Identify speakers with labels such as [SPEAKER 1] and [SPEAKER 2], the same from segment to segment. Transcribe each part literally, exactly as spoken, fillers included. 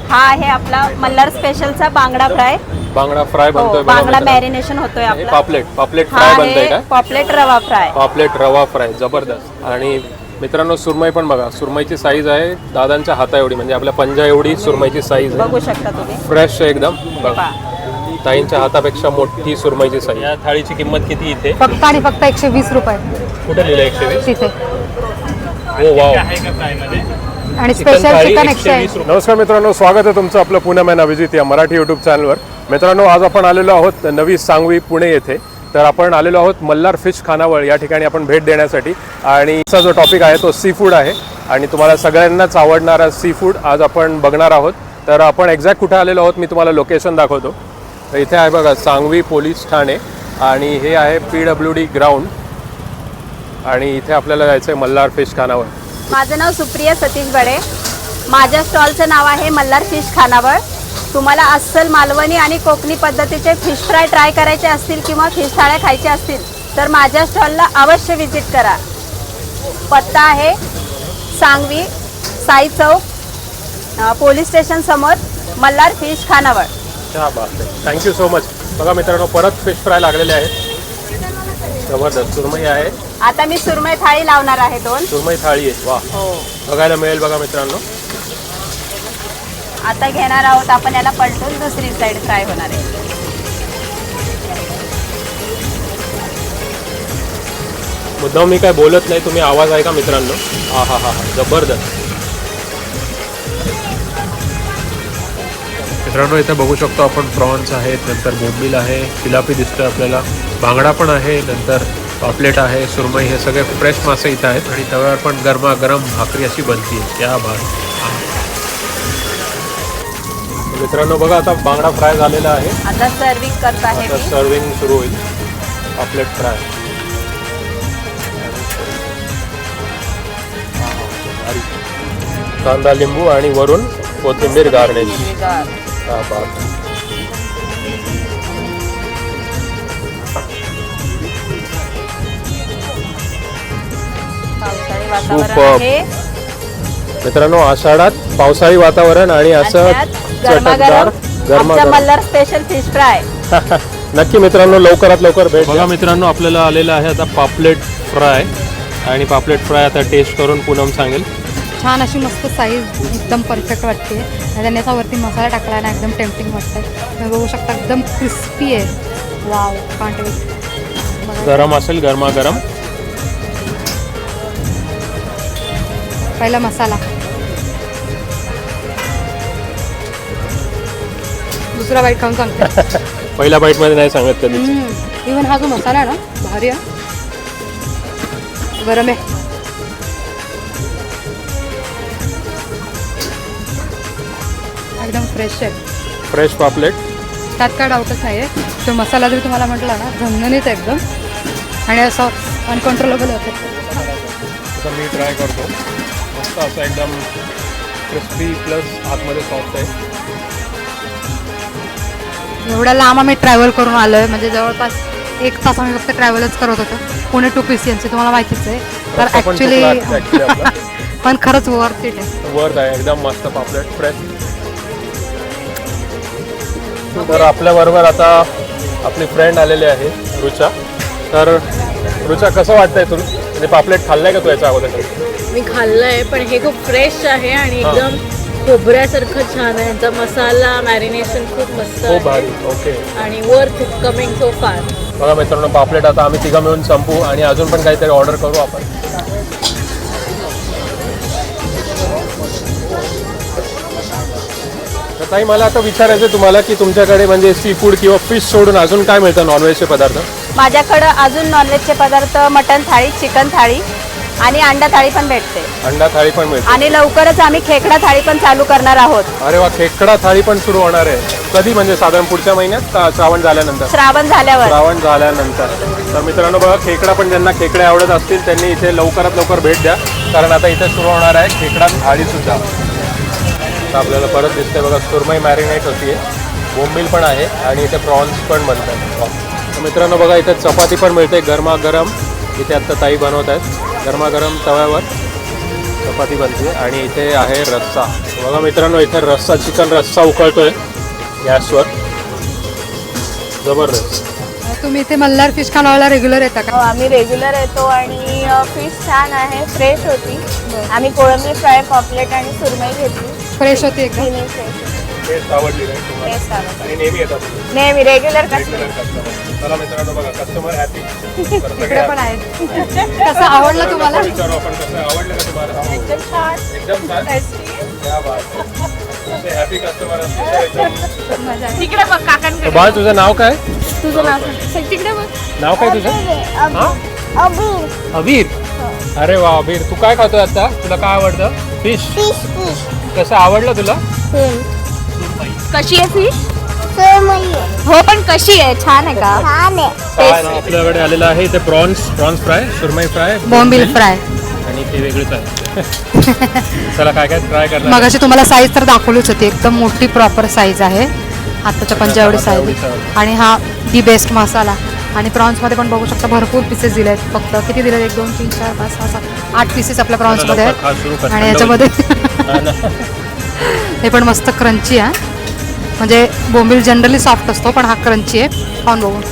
[SPEAKER 1] हा आहे आपला मल्हार स्पेशलचा बांगडा फ्राय.
[SPEAKER 2] बांगडा फ्राय बनतोय.
[SPEAKER 1] बांगडा मॅरिनेशन होतोय आपला.
[SPEAKER 2] पापलेट पापलेट फ्राय बनतोय का?
[SPEAKER 1] पापलेट रवा फ्राय.
[SPEAKER 2] पापलेट रवा फ्राय जबरदस्त. आणि मित्रांनो सुरमई पण बघा, सुरमईची साईज आहे दादांच्या हाता एवढी, म्हणजे आपल्या पंजा एवढी सुरमईची साईज आहे.
[SPEAKER 1] बघू शकता तुम्ही.
[SPEAKER 2] फ्रेश एकदम बघा, ताईंच्या हातापेक्षा मोठी सुरमईची साईज. या थाळीची किंमत किती इथे?
[SPEAKER 3] फक्त आणि फक्त एकशे वीस रुपये.
[SPEAKER 2] कुठे लिहिलं एकशे वीस?
[SPEAKER 3] तिथे.
[SPEAKER 2] Oh wow.
[SPEAKER 3] आणि स्पेशल चिकन एकशे.
[SPEAKER 2] नमस्कार मित्रांनो, स्वागत आहे तुमचं आपलं पुणे मॅन अभिजित या मराठी यूट्यूब चॅनलवर. मित्रांनो आज आपण आलेलो आहोत नवी सांगवी पुणे येथे. तर आपण आलेलो आहोत मल्हार फिश खानावळ या ठिकाणी आपण भेट देण्यासाठी. आणि आजचा जो टॉपिक आहे तो सी फूड आहे आणि तुम्हाला सगळ्यांनाच आवडणारा सी फूड आज आपण बघणार आहोत. तर आपण एक्झॅक्ट कुठे आलेलो आहोत मी तुम्हाला लोकेशन दाखवतो. तर इथे आहे बघा सांगवी पोलीस ठाणे आणि हे आहे पी डब्ल्यू डी ग्राउंड आणि इथे आपल्याला जायचं आहे मल्हार फिश खानावळ.
[SPEAKER 1] माझं नाव सुप्रिया सतीश बडे. माझ्या स्टॉलचं नाव आहे मल्हार फिश खानावळ. तुम्हाला अस्सल मालवणी आणि कोकणी पद्धतीचे फिश फ्राय ट्राय करायचे असतील किंवा फिश थाळ्या खायच्या असतील तर माझ्या स्टॉलला अवश्य विजिट करा. पत्ता आहे सांगवी साई चौक पोलीस स्टेशन समोर मल्हार फिश खानावळ.
[SPEAKER 2] क्या बात आहे, थँक्यू सो मच. बघा मित्रांनो परत फिश फ्राय लागलेले आहेत. जबरदस्त सुरमई आहे.
[SPEAKER 1] आता मी सुरमई थाळी लावणार आहे. दोन
[SPEAKER 2] सुरमई थाळी आहे. वा, बघायला मिळेल बघा मित्रांनो.
[SPEAKER 1] आता घेणार आहोत आपण याला पलटून दुसरी साइड फ्राय होणार आहे.
[SPEAKER 2] मुद्दाम मी काय बोलत नाही, तुम्ही आवाज आहे का मित्रांनो? हा हा हा जबरदस्त. मित्रांनो इथे बघू शकतो आपण प्रॉन्स आहेत, नंतर बोंबील आहे, जिलापी दिसतोय आपल्याला, बांगडा पण आहे, नंतर पापलेट आहे, सुरमई, हे सगळे फ्रेश मासे इथं आहेत. आणि तव्यावर पण गरमागरम भाकरी अशी बनती आहे. क्या बात. मित्रांनो बघा आता बांगडा फ्राय झालेला आहे.
[SPEAKER 1] आता सर्विंग करत आहे
[SPEAKER 2] आता सर्विंग सुरू होईल. पापलेट फ्राय, कांदा लिंबू आणि वरून कोथिंबीर गार्निश. हा बात.
[SPEAKER 1] पावसाळी वातावरण आहे
[SPEAKER 2] मित्रांनो, आषाढात पावसाळी वातावरण आणि असं चटकदार गरमागरम
[SPEAKER 1] मल्हार स्पेशल फिश फ्राय.
[SPEAKER 2] नक्की मित्रांनो लवकरात लवकर भेट. बघा मित्रांनो आपल्याला आलेला आहे आता पापलेट फ्राय आणि पापलेट फ्राय आता टेस्ट करून पूनम सांगेल.
[SPEAKER 3] छान अशी मस्त साईज एकदम परफेक्ट वाटते आणि त्यांनी असा वरती मसाला टाकला आहे ना, एकदम टेम्पटिंग वाटतं. तुम्ही बघू शकता एकदम क्रिस्पी आहे. Wow, can't wait.
[SPEAKER 2] गरम असेल गरमागरम.
[SPEAKER 3] पहिला मसाला, दुसरा बाईट खाऊन सांगते.
[SPEAKER 2] पहिल्या बाईट मध्ये नाही सांगत कधी.
[SPEAKER 3] इव्हन हा जो मसाला आहे ना भारी आहे, गरम आहे. एकदम फ्रेश आहे.
[SPEAKER 2] फ्रेश पापलेट,
[SPEAKER 3] त्यात काय डाऊटच नाही आहे. तो मसाला जरी तुम्हाला म्हटला ना झणझणीत आहे एकदम आणि असं अनकंट्रोलेबल होतं.
[SPEAKER 2] आता मी ट्राय करतो. मस्त असं एकदम क्रिस्पी प्लस आतमध्ये सॉफ्ट आहे.
[SPEAKER 3] एवढ्या लांब आम्ही ट्रॅव्हल करून आलो आहे, म्हणजे जवळपास एक तास आम्ही फक्त ट्रॅव्हलच करत होतो. Pune to P C M C तुम्हाला माहितीच आहे. तर ॲक्च्युली पण खरंच वर्थ इट आहे.
[SPEAKER 2] वर्थ आहे एकदम मस्त पापलेट फ्रेश. तर आपल्याबरोबर आता आपली फ्रेंड आलेली आहे रुचा. तर रुचा कसं वाटतंय तुला? म्हणजे पापलेट खाल्लंय का तू याच्या अगोदर?
[SPEAKER 4] मी खाल्लंय पण हे खूप फ्रेश आहे आणि एकदम खोबऱ्यासारखं छान आहे. यांचा मसाला मॅरिनेशन खूप मस्त
[SPEAKER 2] खूप भारी. ओके.
[SPEAKER 4] आणि वर्थ कमिंग सो फार.
[SPEAKER 2] बघा मित्रांनो पापलेट आता आम्ही तिघं मिळून संपू आणि अजून पण काहीतरी ऑर्डर करू आपण. तर ताई मला आता विचारायचं आहे तुम्हाला की तुमच्याकडे म्हणजे सी फूड किंवा फिश सोडून अजून काय मिळतं नॉनव्हेजचे पदार्थ?
[SPEAKER 1] माझ्याकडं अजून नॉनव्हेजचे पदार्थ मटन थाळी, चिकन थाळी आणि अंडा थाळी पण भेटते.
[SPEAKER 2] अंडा थाळी पण मिळते
[SPEAKER 1] आणि लवकरच आम्ही खेकडा थाळी पण चालू करणार आहोत.
[SPEAKER 2] अरे वा, खेकडा थाळी पण सुरू होणार आहे. कधी, म्हणजे साधारण पुढच्या महिन्यात का श्रावण झाल्यानंतर?
[SPEAKER 1] श्रावण झाल्यावर.
[SPEAKER 2] श्रावण झाल्यानंतर. तर मित्रांनो बघा, खेकडा पण ज्यांना खेकडे आवडत असतील त्यांनी इथे लवकरात लवकर भेट द्या, कारण आता इथे सुरू होणार आहे खेकडा थाळी सुद्धा. आपल्याला परत दिसते बघा सुरमई मॅरिनेट होतीये, बोंबील पण आहे आणि इथे प्रॉन्स पण बनतात. मित्रांनो बघा इथे चपाती पण मिळते गरमागरम. इथे आत्ता ताई बनवत आहेत गरमागरम तव्यावर. चपाती बनते आणि इथे आहे रस्सा. बघा मित्रांनो, इथे रस्सा चिकन रस्सा उकळतोय गॅसवर. जबरदस्त.
[SPEAKER 3] तुम्ही इथे मल्हार फिश खानावळला रेग्युलर येता
[SPEAKER 5] हो,
[SPEAKER 3] का?
[SPEAKER 5] आम्ही रेग्युलर येतो आणि फिश छान आहे, फ्रेश होती. आम्ही कोळंबी फ्राय, पॉपलेट आणि सुरमई घेतली.
[SPEAKER 3] फ्रेश होती एकदम.
[SPEAKER 5] तिन्ही fresh.
[SPEAKER 2] टेस्ट आवडली नाही तुम्हाला?
[SPEAKER 5] Taste आवडली.
[SPEAKER 2] आणि नेहमी येतात तुम्ही?
[SPEAKER 5] नेहमी रेग्युलर
[SPEAKER 2] Regular
[SPEAKER 5] कस्टमर.
[SPEAKER 2] customer. चला मित्रांनो, बघा कस्टमर हॅपी.
[SPEAKER 3] इकडे पण आहेत. कसं आवडलं तुम्हाला?
[SPEAKER 2] विचारू आपण, कसं आवडलं का तुम्हाला?
[SPEAKER 5] एकदम छान,
[SPEAKER 2] एकदम छान.
[SPEAKER 5] tasty.
[SPEAKER 2] क्या बात है. असे हॅपी कस्टमर असतील तर एकदम.
[SPEAKER 3] मजा आहे.
[SPEAKER 5] तिकडे बघ काकांकडे.
[SPEAKER 2] बाळ, तुझं नाव काय?
[SPEAKER 5] तुझं नाव सांग. तिकडे बघ.
[SPEAKER 2] नाव काय तुझं? हा? अबीर. अरे वा अबीर, तू काय खातोय आता? तुला काय आवडतं? फिश. कसं आवडलं तुला?
[SPEAKER 5] कशी आहे फिश? हो, पण कशी आहे? छान आहे का? छान आहे.
[SPEAKER 2] काय ना, आपल्याकडे आलेलं आहे इथे prawns prawns fry, surmai fry,
[SPEAKER 3] bombil fry.
[SPEAKER 2] आणि ते वेगळंच आहे. चला काय काय ट्राय करणार?
[SPEAKER 3] मगाशी तुम्हाला साईज तर दाखवलीच होती. एकदम मोठी प्रॉपर साईज आहे. हाताच्या पंजावडी साईज
[SPEAKER 2] एवढी
[SPEAKER 3] आहे.
[SPEAKER 2] size.
[SPEAKER 3] आणि हा दी बेस्ट मसाला. आणि प्रॉन्समध्ये पण बघू शकता भरपूर पीसेस दिले आहेत. फक्त किती दिले? एक दोन तीन चार पाच सहा सात आठ पीसेस आपल्या प्रॉन्समध्ये
[SPEAKER 2] लवकर खा, सुरू
[SPEAKER 3] आहेत.
[SPEAKER 2] कर.
[SPEAKER 3] आणि
[SPEAKER 2] थंड
[SPEAKER 3] याच्यामध्ये
[SPEAKER 2] हा ना.
[SPEAKER 3] हे पण मस्त क्रंची आहे. म्हणजे बोंबील जनरली सॉफ्ट असतो, पण हा क्रंची आहे. खाऊन बघू.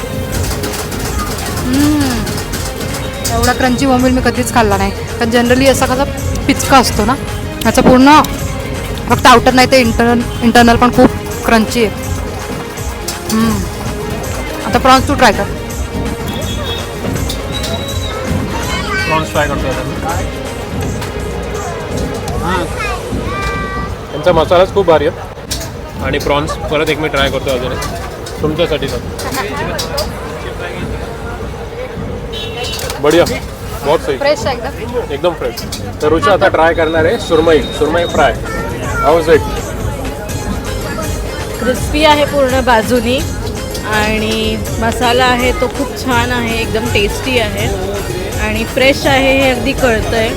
[SPEAKER 3] हम्म. एवढा क्रंची बोंबील मी कधीच खाल्ला नाही. कारण जनरली असा कसा पिचका असतो ना, याचा पूर्ण फक्त आउटर नाही तर इंटरनल इंटरनल पण खूप क्रंची आहे. हम्म. आता प्रॉन्स तू ट्राय कर.
[SPEAKER 2] प्रॉन्स फ्राय करतो आता. त्यांचा मसालाच खूप भारी आहे. आणि प्रॉन्स परत एक मी ट्राय करतो अजून तुमच्यासाठी सर. बढिया, बहुत सही,
[SPEAKER 3] फ्रेश आहे एकदम.
[SPEAKER 2] एकदम फ्रेश. तर रुचा आता ट्राय करणार आहे surmai surmai fry. How's it?
[SPEAKER 4] Crispy आहे पूर्ण बाजूनी आणि मसाला आहे तो खूप छान आहे, एकदम टेस्टी आहे आणि फ्रेश आहे हे अगदी कळतंय.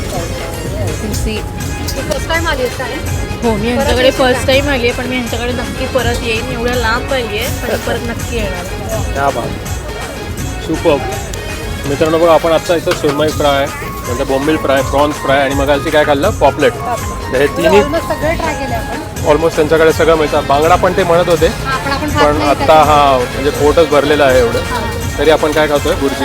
[SPEAKER 4] सी
[SPEAKER 3] फर्स्ट टाइम आली आहे.
[SPEAKER 4] हो, मी यांच्याकडे फर्स्ट टाईम आली आहे, पण मी यांच्याकडे नक्की परत येईन. एवढ्या लांब आली आहे पण परत नक्की येणार.
[SPEAKER 2] क्या बात, सुपर. मित्रांनो बघा, आपण आता इथं सुरमई फ्राय, नंतर बोंबील फ्राय, प्रॉन्स फ्राय आणि मग काय खाल्लं? पॉपलेट. तर हे तिन्ही
[SPEAKER 3] सगळे ट्राय केले आपण.
[SPEAKER 2] ऑलमोस्ट त्यांच्याकडे सगळं मिळतं. बांगडा पण ते म्हणत होते,
[SPEAKER 3] आपण आपण खात
[SPEAKER 2] पण
[SPEAKER 3] नाही
[SPEAKER 2] आत्ता हा म्हणजे पोटच भरलेलं आहे एवढं. तरी आपण काय खातोय? बुर्जी,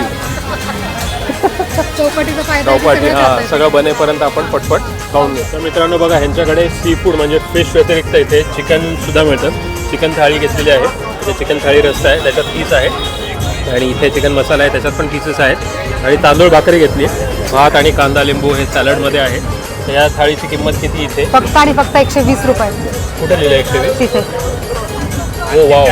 [SPEAKER 3] चौपाटीचा फायदा
[SPEAKER 2] चौपाटी. हा, सगळं बनेपर्यंत आपण पटपट खाऊन घेऊ. तर मित्रांनो बघा, ह्यांच्याकडे सी फूड म्हणजे फिश व्यतिरिक्त इथे चिकन सुद्धा मिळतं. चिकन थाळी घेतलेली आहे. म्हणजे चिकन थाळी रस्सा आहे, त्याच्यात पीस आहे. आणि इथे चिकन मसाला आहे, त्याच्यात पण पीसेस आहेत. आणि तांदूळ भाकरी घेतली आहे. भात आणि कांदा लिंबू हे सॅलडमध्ये आहे. तर या थाळीची किंमत किती इथे?
[SPEAKER 3] फक्त आणि फक्त एकशे वीस रुपये
[SPEAKER 2] कुठे लिहिलं? एकशे वीस.
[SPEAKER 3] तिथे.
[SPEAKER 2] हो वाव.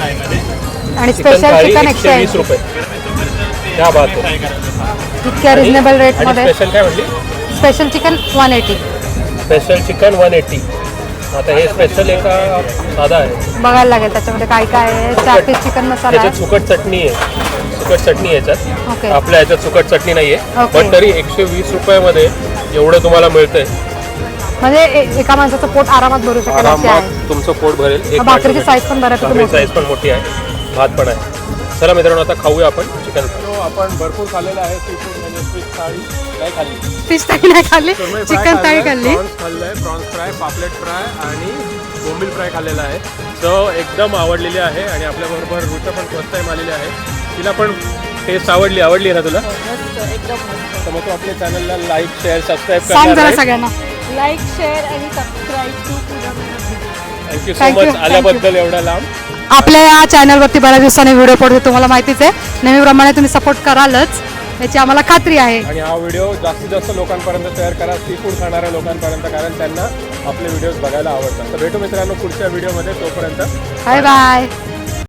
[SPEAKER 3] आणि
[SPEAKER 2] चिकन
[SPEAKER 3] स्पेशल
[SPEAKER 2] थाळी
[SPEAKER 3] चिकन
[SPEAKER 2] एकशे
[SPEAKER 3] एकशे
[SPEAKER 2] वीस रुपये. क्या बात आहे.
[SPEAKER 3] इतक्या रिजनेबल
[SPEAKER 2] आणि
[SPEAKER 3] रेटमध्ये.
[SPEAKER 2] स्पेशल काय म्हटली?
[SPEAKER 3] Special chicken one eighty.
[SPEAKER 2] Special chicken one eighty. आता हे स्पेशल आहे का साधा आहे?
[SPEAKER 3] बघायला लागेल त्याच्यामध्ये काय काय आहे. चार पीस चिकन मसाला
[SPEAKER 2] त्याच्यात
[SPEAKER 3] आहे.
[SPEAKER 2] सुकट चटणी आहे. सुकट चटणी आहे याच्यात.
[SPEAKER 3] ओके.
[SPEAKER 2] आपल्या याच्यात सुकट चटणी नाही आहे.
[SPEAKER 3] ओके.
[SPEAKER 2] पण तरी एकशे वीस रुपयामध्ये एवढं तुम्हाला मिळतंय.
[SPEAKER 3] म्हणजे ए- एका माणसाचं पोट आरामात भरू शकेल अशी
[SPEAKER 2] आरामात
[SPEAKER 3] आहे.
[SPEAKER 2] तुमचं पोट भरेल. एक
[SPEAKER 3] भाकरीची
[SPEAKER 2] वाटी
[SPEAKER 3] साईज पण बऱ्यापैकी
[SPEAKER 2] भाकरी
[SPEAKER 3] मोठी
[SPEAKER 2] साईज पण मोठी आहे. भात पण आहे. चला मित्रांनो, आता खाऊया आपण चिकन. आपण भरपूर खाल्लेलं आहे सी फूड म्हणजे फिश थाळी. काय खाल्ली?
[SPEAKER 3] फिश थाळी नाही खाल्ली,
[SPEAKER 2] सुरमई फ्राय
[SPEAKER 3] चिकन थाळी
[SPEAKER 2] खाल्लंय,
[SPEAKER 3] खाल्ली.
[SPEAKER 2] प्रॉन्स खाल्लंय, प्रॉन्स फ्राय, पापलेट फ्राय आणि बोंबील फ्राय खाल्लेला आहे. चव एकदम आवडलेली आहे. आणि आपल्याबरोबर रुचा पण फर्स्ट टाईम आलेली आहे. तिला पण टेस्ट आवडली आवडली ना तुला?
[SPEAKER 4] एकदम मस्त.
[SPEAKER 2] तर मग तू आपल्या चॅनलला लाईक शेअर सबस्क्राईब
[SPEAKER 3] सांग
[SPEAKER 2] करणार
[SPEAKER 3] जरा
[SPEAKER 2] आहे.
[SPEAKER 3] सगळ्यांना.
[SPEAKER 4] लाईक, शेअर आणि subscribe to Pooja Mehnat.
[SPEAKER 2] Thank you so
[SPEAKER 3] Thank you,
[SPEAKER 2] much
[SPEAKER 3] thank
[SPEAKER 2] आल्याबद्दल एवढा लांब.
[SPEAKER 3] आपल्या या चॅनलवरती बऱ्याच दिवसांनी व्हिडिओ पडतो, तुम्हाला माहितीच आहे. नेहमीप्रमाणे तुम्ही सपोर्ट करालच याची आम्हाला खात्री आहे.
[SPEAKER 2] आणि हा व्हिडिओ जास्तीत जास्त लोकांपर्यंत शेअर करा, सी फूड खाणाऱ्या लोकांपर्यंत, कारण त्यांना आपले व्हिडिओज बघायला आवडतात. तर भेटू मित्रांनो पुढच्या व्हिडिओमध्ये. तोपर्यंत
[SPEAKER 3] बाय बाय.